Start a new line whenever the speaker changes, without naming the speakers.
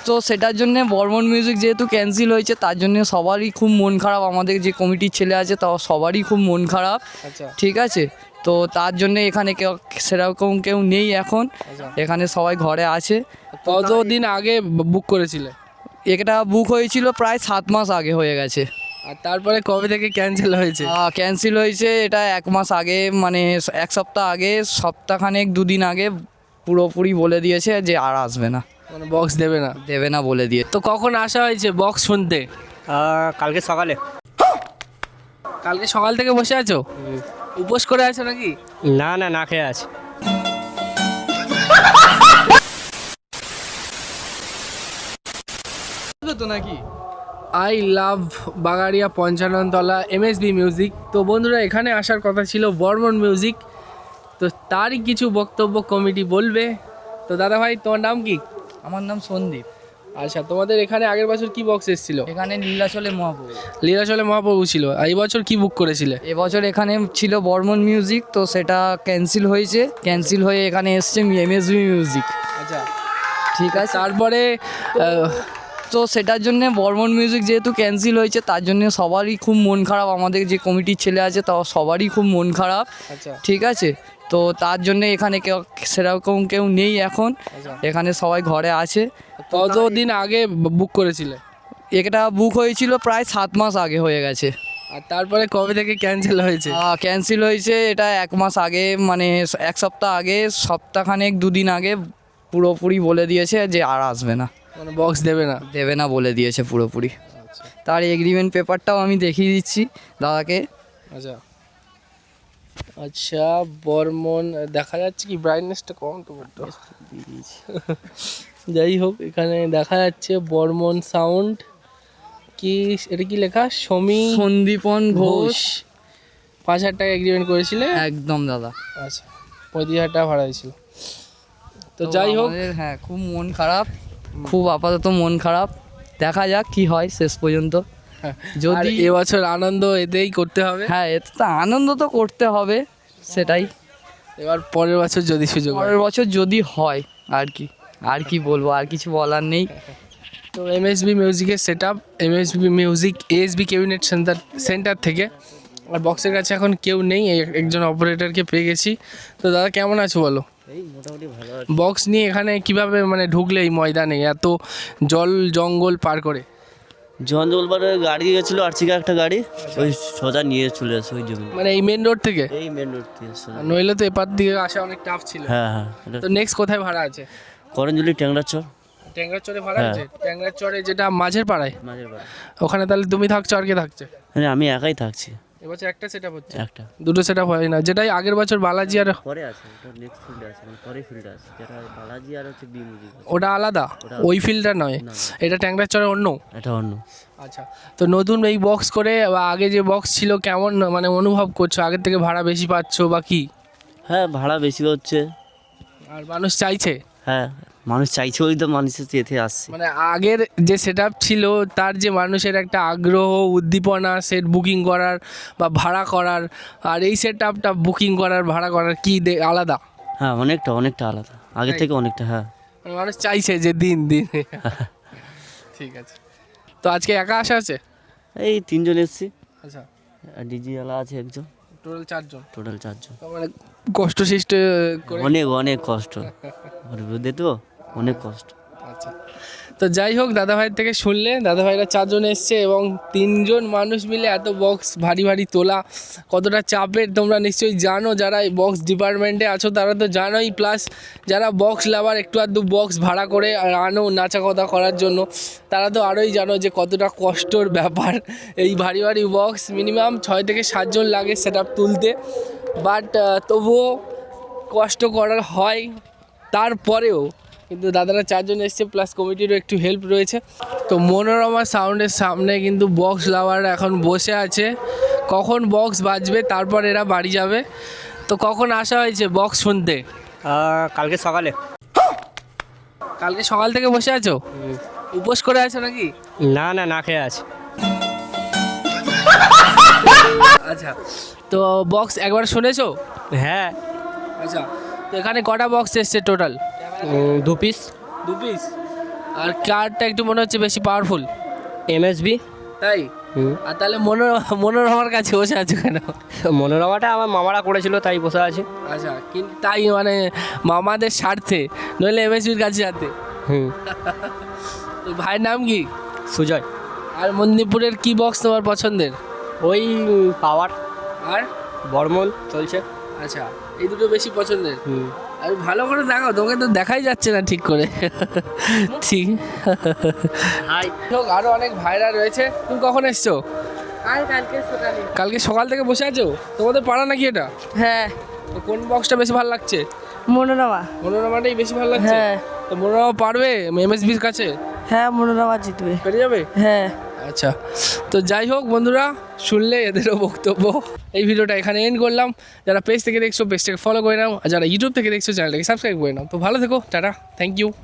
তো সেটার জন্য বর্মন মিউজিক যেহেতু ক্যান্সেল হয়েছে তার জন্য সবারই খুব মন খারাপ, আমাদের যে কমিটির ছেলে আছে তাও সবারই খুব মন খারাপ।
আচ্ছা
ঠিক আছে, তো তার জন্য এখানে কেউ সেরকম কেউ নেই এখন,
আচ্ছা,
এখানে সবাই ঘরে আছে।
কতদিন আগে বুক করেছিলে?
এটা বুক হয়েছিল প্রায় 7 মাস আগে হয়ে গেছে।
আর তারপরে কবে থেকে ক্যান্সেল হয়েছে?
ক্যান্সেল হয়েছে এটা 1 মাস আগে, মানে 1 সপ্তাহ আগে, সপ্তাহখানেক 2 দিন আগে পুরোপুরি বলে দিয়েছে যে আর আসবে না,
মানে বক্স দেবে না
বলে দিয়ে।
তো কখন আসা হয়েছে বক্স শুনতে?
কালকে সকালে।
কালকে সকাল থেকে বসে আছো? উপোস করে আছো নাকি?
না না, না খেয়ে আছে।
তো নাকি
আই লাভ বাগাড়িয়া 55তলা এমএসবি মিউজিক। তো বন্ধুরা, এখানে আসার কথা ছিল বর্মন মিউজিক, তো তারই কিছু বক্তব্য কমিটি বলবে। তো দাদা ভাই, তোমার নাম কি?
আমার নাম সন্দীপ।
আচ্ছা, তোমাদের এখানে আগের বছর কি বক্স এসেছিল?
এখানে নীলাচলে মহাপ্রভু,
লীলাচলে মহাপ্রভু ছিল। আর এই বছর কি বুক করেছিলে?
এবছর এখানে ছিল বর্মন মিউজিক, তো সেটা ক্যান্সেল হয়েছে, ক্যান্সেল হয়ে এখানে এসছে এমএসবি মিউজিক।
আচ্ছা,
ঠিক আছে,
তারপরে
তো সেটার জন্য বর্মন মিউজিক যেহেতু ক্যান্সেল হয়েছে তার জন্য সবারই খুব মন খারাপ, আমাদের যে কমিটির ছেলে আছে তাও সবারই খুব মন খারাপ।
আচ্ছা
ঠিক আছে, তো তার জন্য এখানে কেউ সেরকম কেউ নেই এখন,
আচ্ছা,
এখানে সবাই ঘরে আছে।
কতদিন আগে বুক করেছিলে?
এটা বুক হয়েছিল প্রায় 7 মাস আগে হয়ে গেছে।
আর তারপরে কবে থেকে ক্যান্সেল হয়েছে?
ক্যান্সেল হয়েছে এটা 1 মাস আগে, মানে 1 সপ্তাহ আগে, সপ্তাহখানেক 2 দিন আগে পুরোপুরি বলে দিয়েছে যে আর আসবে না,
মানে বক্স দেবে না
বলে দিয়েছে পুরোপুরি।
আচ্ছা
তার এগ্রিমেন্ট পেপারটাও আমি দেখিয়ে দিচ্ছি দাদাকে।
আচ্ছা আচ্ছা, বর্মন দেখা যাচ্ছে কি? ব্রাইটনেসটা কম তো বলতো। যাই হোক, এখানে দেখা যাচ্ছে বর্মন সাউন্ড। কি এটা কি লেখা?
সন্দীপন ঘোষ।
5,000 টাকা এগ্রিমেন্ট করেছিলে?
একদম দাদা।
আচ্ছা, 35,000 টাকা ভাড়া হয়েছিল। তো যাই হোক,
আমাদের, হ্যাঁ, খুব মন খারাপ, খুব আপাতত মন খারাপ, দেখা যাক কি হয় শেষ পর্যন্ত।
যদি
যদি
এবছর আনন্দ এতেই করতে হবে।
হ্যাঁ, এতে তো আনন্দ তো করতে হবে, সেটাই।
এবার পরের বছর যদি সুযোগ হয়।
পরের বছর যদি হয়, আর কি বলবো, আর কিছু বলার নেই।
তো এমএসবি মিউজিকের set up, MSB music ASB cabinet centre থেকে। আর বক্সের কাছে এখন কেউ নেই, একজন অপারেটরকে পেয়ে গেছি। তো দাদা, কেমন আছো বলো?
এই মোটামুটি ভালো আছে।
বক্স নিয়ে এখানে কিভাবে মানে ঢুকলে এই ময়দানে এত জল জঙ্গল পার করে?
জঞ্জলবারে গাড়ি গেছিলো, আর্চিকা একটা গাড়ি, ওই সোজা নিয়ে চলে আসে ওই জমি।
মানে এই মেন রোড থেকে?
এই মেন রোড থেকে সোজা।
নইলে তো এপার দিকে আসা অনেক টাফ ছিল।
হ্যাঁ হ্যাঁ,
তো নেক্সট কোথায় ভাড়া আছে?
করঞ্জলি ট্যাংরা চর
ট্যাংরার চরে ভাড়া
হ্যাঁ।
আছে? ট্যাংরার চরে যেটা মাঝের পাড়ায়,
মাঝের বাড়ি।
ওখানে তাহলে তুমি থাকছো আর কে থাকছে?
হ্যাঁ, আমি একাই থাকছি।
এবছর একটা সেট আপ হচ্ছে,
একটা
দুটো সেট আপ হয় না, যেটাই আগের বছর বালাজি আর
পরে আছে, ওটা নেক্সট ফিল্ড আছে, মানে পরে ফিল্ড আছে, যেটা বালাজি আর হচ্ছে বি মিউজিক।
ওটা আলাদা, ওই ফিল্ডটা নয়।
না,
এটা ট্যাংরার চরে অন্য।
এটা অন্য।
আচ্ছা, তো নতুন এই বক্স করে বা আগে যে বক্স ছিল কেমন মানে অনুভব করছো? আগের থেকে ভাড়া বেশি পাচ্ছো বা কি?
হ্যাঁ, ভাড়া বেশি হচ্ছে।
আর মানুষ চাইছে?
হ্যাঁ, মানুষ চাইছে, ওই তো মানুষের যেতে আসছে।
মানে আগের যে সেট আপ ছিল তার যে মানুষের একটা আগ্রহ উদ্দীপনা সেট বুকিং করার বা ভাড়া করার, আর এই সেট আপটা বুকিং করার ভাড়া করার কি আলাদা?
হ্যাঁ, অনেকটা আলাদা, আগের থেকে অনেকটা। হ্যাঁ,
মানে মানুষ চাইছে যে দিন ঠিক আছে। তো আজকে একা আসা আছে?
এই 3 জন এসছি,
আচ্ছা,
আর ডিজিওয়ালা আছে একজন,
টোটাল 4 জন।
টোটাল 4 জন।
মানে কষ্ট সৃষ্ট করে।
অনেক কষ্ট, ওর বিরুদ্ধে তো অনেক কষ্ট।
আচ্ছা, তো যাই হোক, দাদা ভাইয়ের থেকে শুনলে, দাদা ভাইরা 4 জন এসছে এবং 3 জন মানুষ মিলে এত বক্স ভারী ভারী তোলা কতটা চাপের তোমরা নিশ্চয়ই জানো। যারা এই বক্স ডিপার্টমেন্টে আছো তারা তো জানোই, প্লাস যারা বক্স লাভার একটু আধটু বক্স ভাড়া করে আর আনো নাচা কথা করার জন্য, তারা তো আরোই জানো যে কতটা কষ্টর ব্যাপার এই ভারী ভারী বক্স। মিনিমাম 6 থেকে 7 জন লাগে সেট আপ তুলতে, বাট তবুও কষ্ট করার হয়। তারপরেও কিন্তু দাদারা 4 জন এসছে, প্লাস কমিটিরও একটু হেল্প রয়েছে। তো মনোরমা সাউন্ডের সামনে কিন্তু বক্স লাভাররা এখন বসে আছে, কখন বক্স বাজবে তারপর এরা বাড়ি যাবে। তো কখন আসা হয়েছে বক্স শুনতে?
কালকে সকালে।
কালকে সকাল থেকে বসে আছো? উপোস করে আছো নাকি?
না না, না খেয়ে আছে।
আচ্ছা, তো বক্স একবার শুনেছো?
হ্যাঁ।
আচ্ছা, তো এখানে কটা বক্স এসছে টোটাল?
2 পিস।
2 পিস। আর কারটা একটু মনে হচ্ছে বেশি পাওয়ারফুল,
এমএসবি।
তাই? আর তাহলে মনোরমার কাছে বসে আছো কেন?
মনোরমাটা আমার মামারা করেছিল তাই বসে আছে।
আচ্ছা, কিন্তু তাই মানে মামাদের স্বার্থে, নইলে এমএসবির কাছে যাতে।
হুম।
তো ভাইয়ের নাম কি?
সুজয়।
আর মন্দিরপুরের কি বক্স তোমার পছন্দের?
ওই পাওয়ার
আর
বর্মল চলছে।
আচ্ছা, এই দুটো বেশি পছন্দের।
হুম।
আর ভালো করে দেখাও, তোকে তো দেখাই যাচ্ছে না ঠিক করে। ঠিক।
হাই।
হোক, আরো অনেক ভাইরা রয়েছে। তুমি কখন এসছো? কালকে সকাল থেকে বসে আছো? তোমাদের পাড়া নাকি এটা?
হ্যাঁ,
তো কোন বক্সটা বেশি ভালো লাগছে?
মনোরমা।
মনোরমাটাই বেশি ভালো লাগছে।
হ্যাঁ।
তো মনোরমা পারবে এমএসবির কাছে?
হ্যাঁ, মনোরমা জিতবে।
পেরে যাবে?
হ্যাঁ।
আচ্ছা, তো যাই হোক বন্ধুরা, শুনলে এদেরও বক্তব্য। এই ভিডিওটা এখানে এন্ড করলাম। যারা পেজ থেকে দেখছো পেজটাকে ফলো করে নাও, আর যারা ইউটিউব থেকে দেখছো চ্যানেলটাকে সাবস্ক্রাইব করে নাও। তো ভালো থেকো, টাটা, থ্যাংক ইউ।